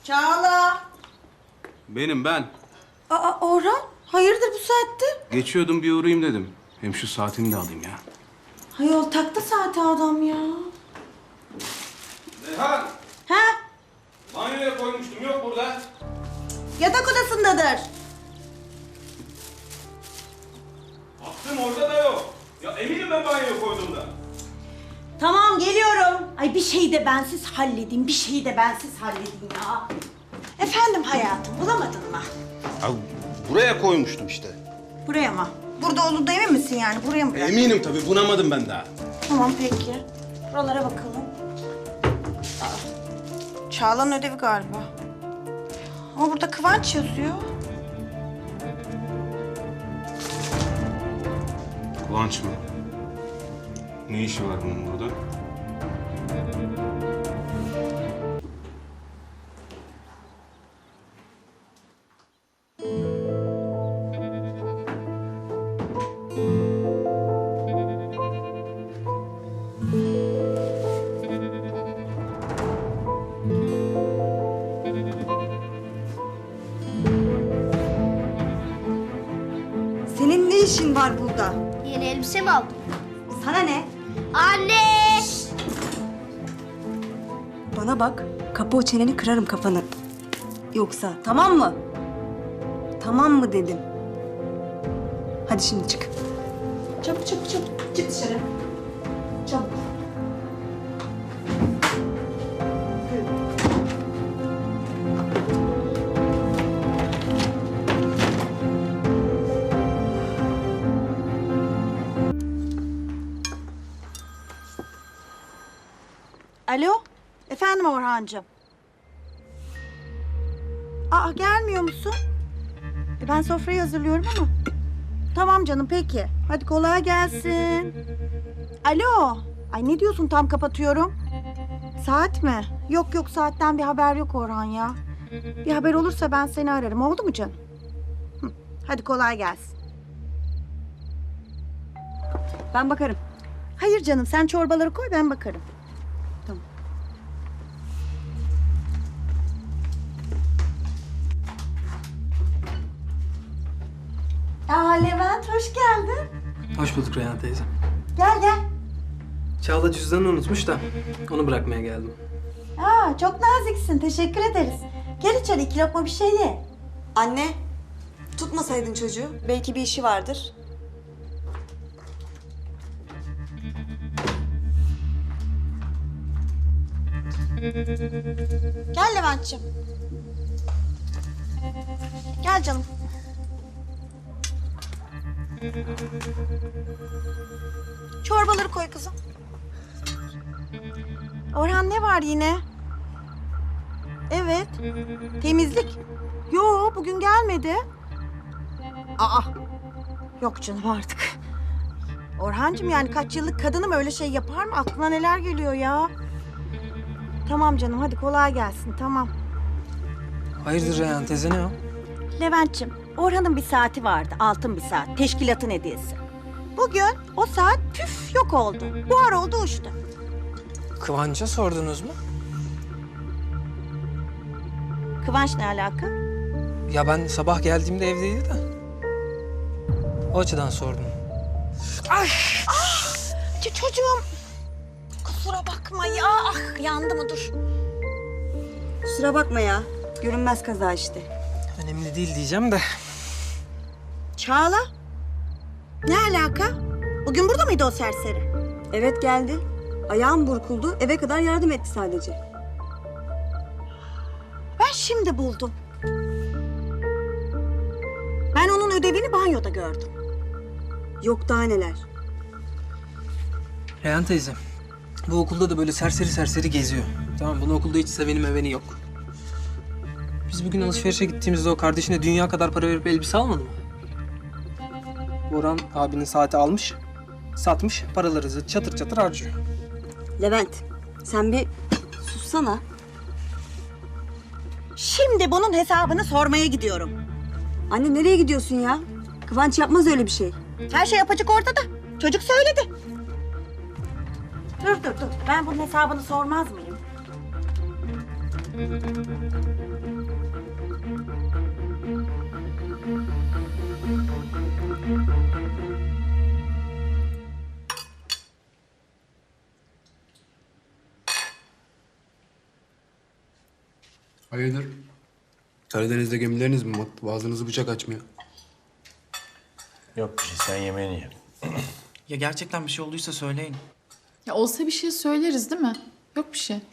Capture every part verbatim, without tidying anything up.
Çağla. Benim ben. Aa Orhan, hayırdır bu saatte? Geçiyordum bir uğrayayım dedim. Hem şu saatimi de alayım ya. Hayol taktı saati adam ya. Reyhan! Ha? Banyoya koymuştum, yok burada. Yatak odasındadır. Baktım orada da yok. Ya eminim ben banyoya koyduğumda. Tamam geliyorum. Ay bir şeyi de bensiz halledeyim, bir şeyi de bensiz halledeyim ya. Efendim hayatım, bulamadın mı? Ya buraya koymuştum işte. Buraya mı? Burada olduğunda emin misin yani? Buraya mı bırak? Eminim tabii, bunamadım ben daha. Tamam peki. Buralara bakalım. Aa, Çağla'nın ödevi galiba. Ama burada Kıvanç yazıyor. Kıvanç mı? Ne işi var bunun burada? Senin ne işin var burada? Yeni elbise mi aldın? Sana ne? Anne! Bana bak, kapı o çeneni kırarım kafanı. Yoksa tamam mı? Tamam mı dedim. Hadi şimdi çık. Çabuk çabuk çabuk. Çık dışarı. Çabuk. Alo, efendim Orhancığım. Aa gelmiyor musun? E, ben sofrayı hazırlıyorum ama. Tamam canım peki. Hadi kolay gelsin. Alo. Ay ne diyorsun tam kapatıyorum. Saat mi? Yok yok saatten bir haber yok Orhan ya. Bir haber olursa ben seni ararım. Oldu mu canım? Hı, hadi kolay gelsin. Ben bakarım. Hayır canım sen çorbaları koy ben bakarım. Tamam. Aa Levent hoş geldin. Hoş bulduk Reyhan teyze. Gel gel. Çağla cüzdanını unutmuş da onu bırakmaya geldim. Aa çok naziksin. Teşekkür ederiz. Gel içeri iki lokma bir şey ye. Anne, tutmasaydın çocuğu. Belki bir işi vardır. Gel Levent'ciğim. Gel canım. Çorbaları koy kızım. Orhan ne var yine? Evet. Temizlik. Yo bugün gelmedi. Aa. Yok canım artık. Orhancığım yani kaç yıllık kadınım öyle şey yapar mı? Aklına neler geliyor ya? Tamam canım hadi kolay gelsin tamam. Hayırdır Reyhan teyze, ne o? Levent'ciğim, Orhan'ın bir saati vardı, altın bir saat, teşkilatın hediyesi. Bugün o saat püf yok oldu, buhar oldu uçtu. Kıvanç'a sordunuz mu? Kıvanç ne alaka? Ya ben sabah geldiğimde evdeydi de. O açıdan sordum. Ç- çocuğum, kusura bakma ya, ah yandı mı dur. Kusura bakma ya. Görünmez kaza işte. Önemli değil diyeceğim de. Çağla, ne alaka? Bugün burada mıydı o serseri? Evet geldi. Ayağım burkuldu. Eve kadar yardım etti sadece. Ben şimdi buldum. Ben onun ödevini banyoda gördüm. Yok daha neler. Reyhan teyze, bu okulda da böyle serseri serseri geziyor. Tamam, bunu okulda hiç seveni meveni yok. Biz bugün alışverişe gittiğimizde o kardeşine dünya kadar para verip elbise almadı mı? Boran abinin saati almış, satmış, paraları çatır çatır harcıyor. Levent, sen bir sussana. Şimdi bunun hesabını sormaya gidiyorum. Anne nereye gidiyorsun ya? Kıvanç yapmaz öyle bir şey. Her şey yapacak ortada. Çocuk söyledi. Dur dur dur. Ben bunun hesabını sormaz mıyım? Hayırdır? Karadeniz'de gemileriniz mi battı? Boğazınızı bıçak açmıyor. Yok bir şey, sen yemeğini ye. Ya gerçekten bir şey olduysa söyleyin. Ya olsa bir şey söyleriz değil mi? Yok bir şey.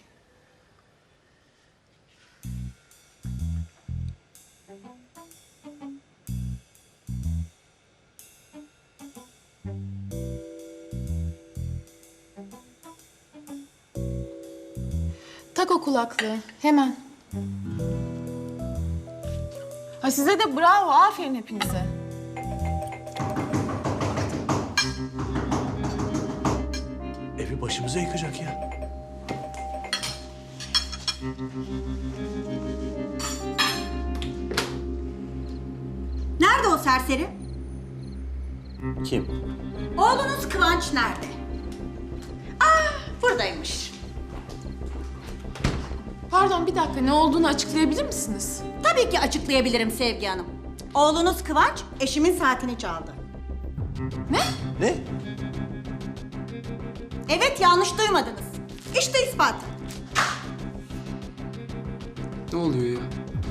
Tak o kulaklığı hemen. Ha size de bravo, aferin hepinize. Evi başımıza yıkacak ya. Nerede o serseri? Kim? Oğlunuz Kıvanç nerede? Ah, buradaymış. Pardon bir dakika, ne olduğunu açıklayabilir misiniz? Tabii ki açıklayabilirim Sevgi Hanım. Oğlunuz Kıvanç eşimin saatini çaldı. Ne? Evet, yanlış duymadınız. İşte ispatı. Ne oluyor ya?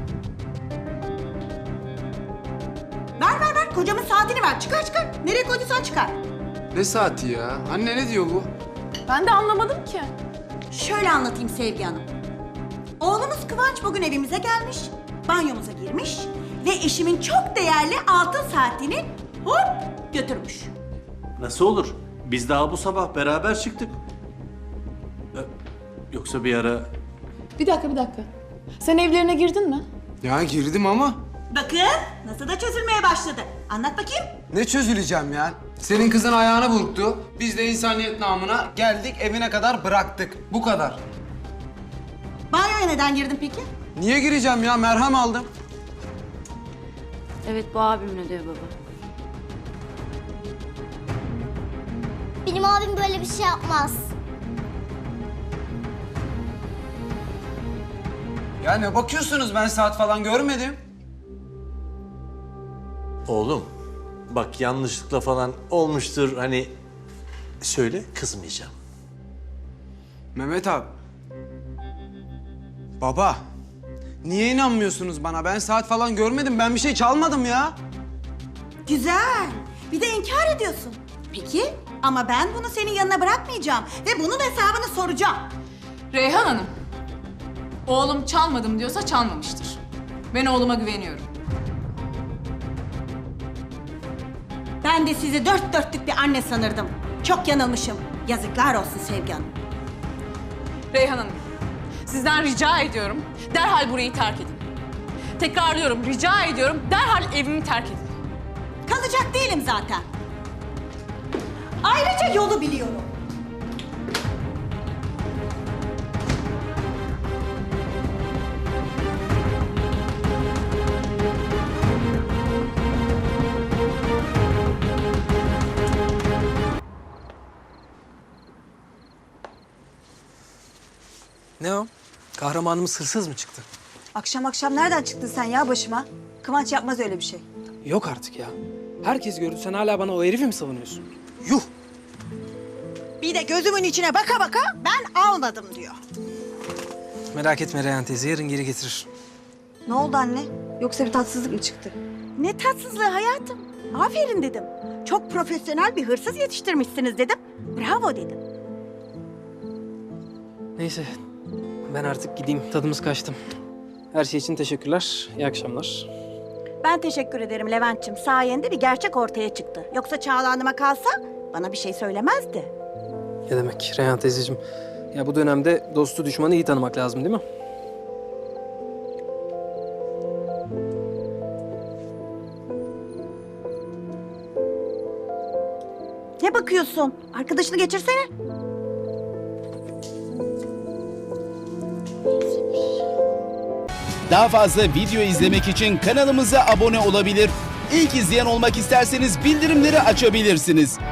Ver ver ver, kocamın saatini ver. Çıkar çıkar. Nereye koyduysan çıkar. Ne saati ya? Anne ne diyor bu? Ben de anlamadım ki. Şöyle anlatayım Sevgi Hanım. Oğlunuz Kıvanç bugün evimize gelmiş, banyomuza girmiş ve eşimin çok değerli altın saatini hop götürmüş. Nasıl olur? Biz daha bu sabah beraber çıktık. Ee, Yoksa bir ara... Bir dakika bir dakika. Sen evlerine girdin mi? Ya girdim ama Bakın nasıl da çözülmeye başladı. Anlat bakayım. ne çözüleceğim ya? Senin kızın ayağını burktu. Biz de insaniyet namına geldik evine kadar bıraktık. Bu kadar. Banyoya neden girdin peki? Niye gireceğim ya? Merhem aldım. Evet bu abim ne diyor baba? Benim abim böyle bir şey yapmaz. Ya ne bakıyorsunuz? Ben saat falan görmedim. Oğlum, bak yanlışlıkla falan olmuştur hani... Söyle, kızmayacağım. Mehmet abi. Baba. Niye inanmıyorsunuz bana? Ben saat falan görmedim. Ben bir şey çalmadım ya. Güzel. Bir de inkar ediyorsun. Peki ama ben bunu senin yanına bırakmayacağım ve bunun hesabını soracağım. Reyhan Hanım. Oğlum çalmadım diyorsa çalmamıştır. Ben oğluma güveniyorum. Ben de sizi dört dörtlük bir anne sanırdım. Çok yanılmışım. Yazıklar olsun Sevgi Hanım. Reyhan Hanım, sizden rica ediyorum derhal burayı terk edin. Tekrarlıyorum, rica ediyorum derhal evimi terk edin. Kalacak değilim zaten. Ayrıca yolu biliyorum. Ne o? Kahramanımız hırsız mı çıktı? Akşam akşam nereden çıktın sen ya başıma? Kıvanç yapmaz öyle bir şey. Yok artık ya. Herkes gördü, sen hala bana o herifi mi savunuyorsun? Yuh. Bir de gözümün içine baka baka ben almadım diyor. Merak etme Reyhan teyze, yarın geri getirir. Ne oldu anne? Yoksa bir tatsızlık mı çıktı? Ne tatsızlığı hayatım. Aferin dedim. Çok profesyonel bir hırsız yetiştirmişsiniz dedim. Bravo dedim. Neyse, ben artık gideyim. Tadımız kaçtı. Her şey için teşekkürler. İyi akşamlar. Ben teşekkür ederim Levent'ciğim. Sayende bir gerçek ortaya çıktı. Yoksa Çağla Hanım'a kalsa bana bir şey söylemezdi. Ne demek Reyhan teyzeciğim? Ya bu dönemde dostu düşmanı iyi tanımak lazım değil mi? Ne bakıyorsun? Arkadaşını geçirsene. Daha fazla video izlemek için kanalımıza abone olabilir. İlk izleyen olmak isterseniz bildirimleri açabilirsiniz.